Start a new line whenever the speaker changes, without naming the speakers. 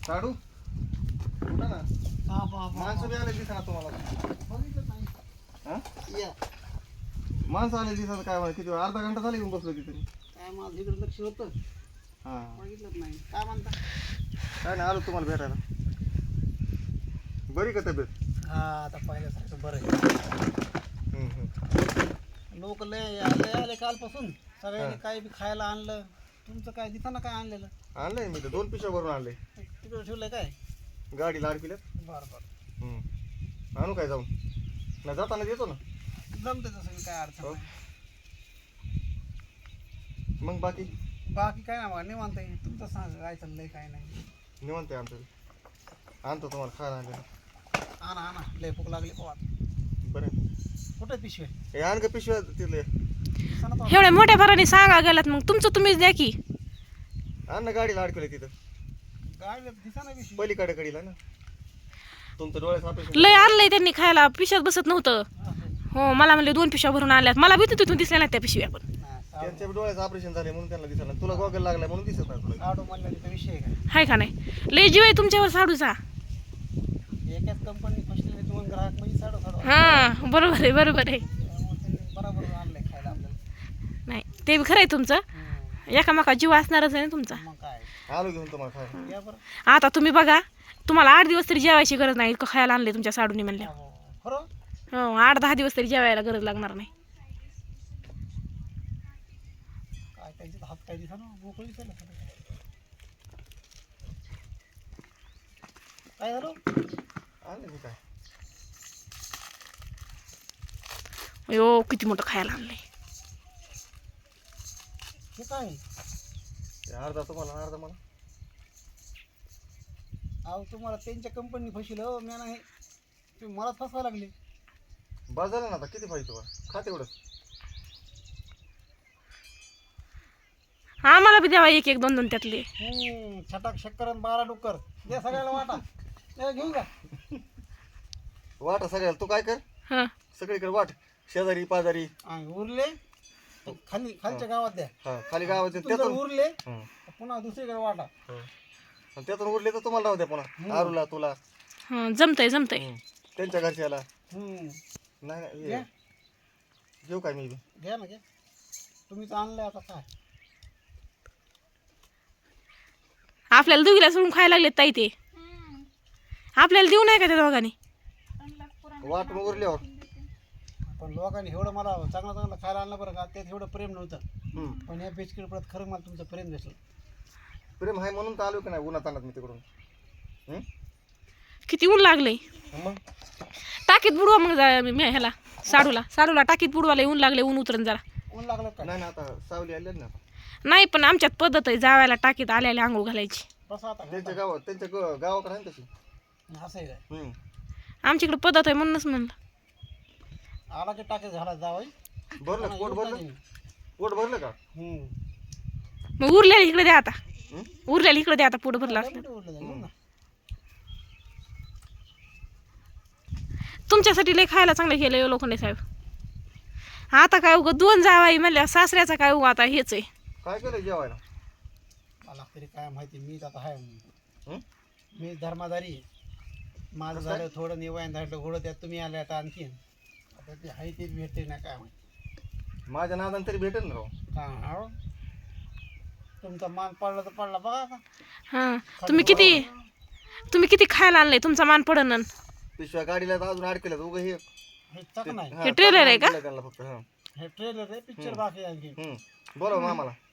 साडू उठा ना. माणसं बी आले दिसा तुम्हाला. हा? माणसं आले दिसा काय म्हणा किती अर्धा घंटा झाला येऊन बसलो तिथे.
काय माझं इकडे लक्ष होतं
हा
बघितलंच नाही. काय म्हणता?
काय नाही आलो तुम्हाला भेटायला. बरी का तब्येत?
हा आता पहिल्यासारखं बरं आहे. लोक लय आले कालपासून सगळ्यांनी काही बी खायला आणलं. तुमचं काय दिसाना काय आणलेलं?
आणलंय मी तर 2 पिशव्या भरून आणले.
तिकडे ठेवलंय काय?
गाडीला अडकिल्यात.
बरं बरं
आणू काय जाऊन ना जाताना देतो ना.
जमतं तसं काय अडचण नाही.
मग बाकी
बाकी काय ना मग निवांत आहे. तुमचं सांग काय चाललंय काय नाही.
निवांत आहे आमचं. आणतो तुम्हाला खायला आणलं.
आणा आणा लय भूक लागली पोहा.
बरं
कुठे पिशवे?
हे आण का पिशव्या तिथले.
एवढ्या मोठ्या भराने सांगा गेलात मग तुमचं तुम्हीच द्या की.
आण ना गाडीला अडकले तिथं
गाडी दिसाना पिशवी.
पलीकडे कडीला ना. तुमचं डोळ्यात ऑपरेशन
लय आणलंय त्यांनी खायला पिशव्यात बसत नव्हतं. हो मला म्हणले 2 पिशव्या भरून आणल्यात. मला भीती तिथून दिसल्या नाही त्या पिशव्या पण.
त्यांच्या डोळ्याचं ऑपरेशन झाले म्हणून त्यांना दिसत नाही. तुला गॉगल लागलाय म्हणून दिसत नाही तुला.
साडू म्हणलं तिथं विषय आहे काय?
हाय का नाही लय जीव आहे तुमच्यावर साडूचा.
एकाच कंपनी फसलेले 2 ग्राहक म्हणजे साडू साडू.
हा बरोबर आहे बरोबर आहे.
त्यामुळे त्यांनी बरोबर आणलंय खायला आपल्याला.
नाही ते बी खरं आहे तुमचं. एकामेका जीव असणारच आहे ना तुमचा.
मग काय
आलो घेऊन तुम्हाला खायला.
या बरं.
आता तुम्ही बघा तुम्हाला 8 दिवस तरी जेवायची गरज नाही इतकं खायला आणले तुमच्या साडूनी म्हणल्या.
खरं
हो 8-10 दिवस तरी जेवायला गरज लागणार नाही.
काय त्यांचे हात काय दिसा ना मोकळी दिसायला. काय झालं?
आले मी काय
अयो किती मोठं खायला आणलंय.
हे काय?
ते अर्धा तुम्हाला अर्धा मला.
अहो तुम्हाला त्यांच्या कंपनी फसलं हो मी नाही. तुम्ही मला फसवा लागले.
बस झालं ना आता किती पाहिजे तुम्हाला खा तेवढं.
आम्हाला बी द्यावा 1-1 2-2 त्यातले.
छटाक शक्कर आणि 12 डुक्कर द्या सगळ्याला वाटा. घेऊन जा
वाटा सगळ्याला. तू काय कर
हा
सगळीकडे वाट शेजारी पाजारी.
आणि उरले तर खालच्या गावात द्या.
हा खाली गावात
तिथून जर
त्यातून
उरले तर पुन्हा दुसरीकडे वाटा.
आणि त्यातून उरले तर तुम्हाला राहू द्या पुन्हा. आरूला तुला
हा जमतंय
त्यांच्या घरच्याला.
हम्म.
नाही नाही
घ्या.
घेऊ काय मी बी.
घ्या ना घ्या. तुम्हीच आणलंय आता काय.
आपल्याला दोघीला सोडून खायला लागलेत ताई ते. आपल्याला देऊ नाही का त्या दोघांनी.
वाट मग उरल्यावर.
पण लोकांनी एवढं मला चांगलं चांगलं खायला आणलं बरं का. त्यात एवढं प्रेम नव्हतं. पण या बेचकडे परत खरं मला तुमचं प्रेम दिसलं.
प्रेम आहे म्हणून तर आलो की नाही उन्हात आणत मी तिकडून.
किती ऊन लागले.
मग
टाकीत बुडवा मग ह्याला साडूला टाकीत बुडवाला ऊन लागले. ऊन उतरण जरा.
ऊन लागलं का?
नाही ना आता सावली आली ना.
नाही पण आमच्यात पद्धत आहे जावायला टाकीत आल्याला आंघोळ घालायची.
बसा आता.
त्यांच्या गावाकडे आहे ना तशी.
असं आहे काय?
आमच्याकडे पद्धत आहे म्हणूनच म्हणलं.
आला की टाके झाला जावं.
भरलं पोट भरलं. पोट भरलं का?
मग उरलेला इकडे द्या आता. उरलेला इकडे द्या आता पोट भरला असलं. तुमच्यासाठी लय खायला चांगलं केलं लोखंडे साहेब. आता काय उगं 2 जावाई म्हणल्या सासऱ्याचा काय उगा आता हेच आहे.
काय केलं जेवायला?
मला तरी काय माहिती. मीच आता आहे. मी धर्माधारी आहे. माझं झालं थोडं निवायन झालं घोडं त्यात तुम्ही आले आता आणखीन. आता ते आहे तेच भेटते ना काय माहिती.
माझ्या नादान तरी भेटेल ना राव.
काय तुमचा मान पडला तर पडला बघा आता.
हा तुम्ही किती खायला आणलंय तुमचा मान पडन.
पिशव्या गाडीला अजून अडकल्यात उगं हे.
हे चक नाही.
हे ट्रेलर आहे का?
त्यांना फक्त.
हे ट्रेलर आहे. पिक्चर बाकी आहे आणखी.
बोला मामाला.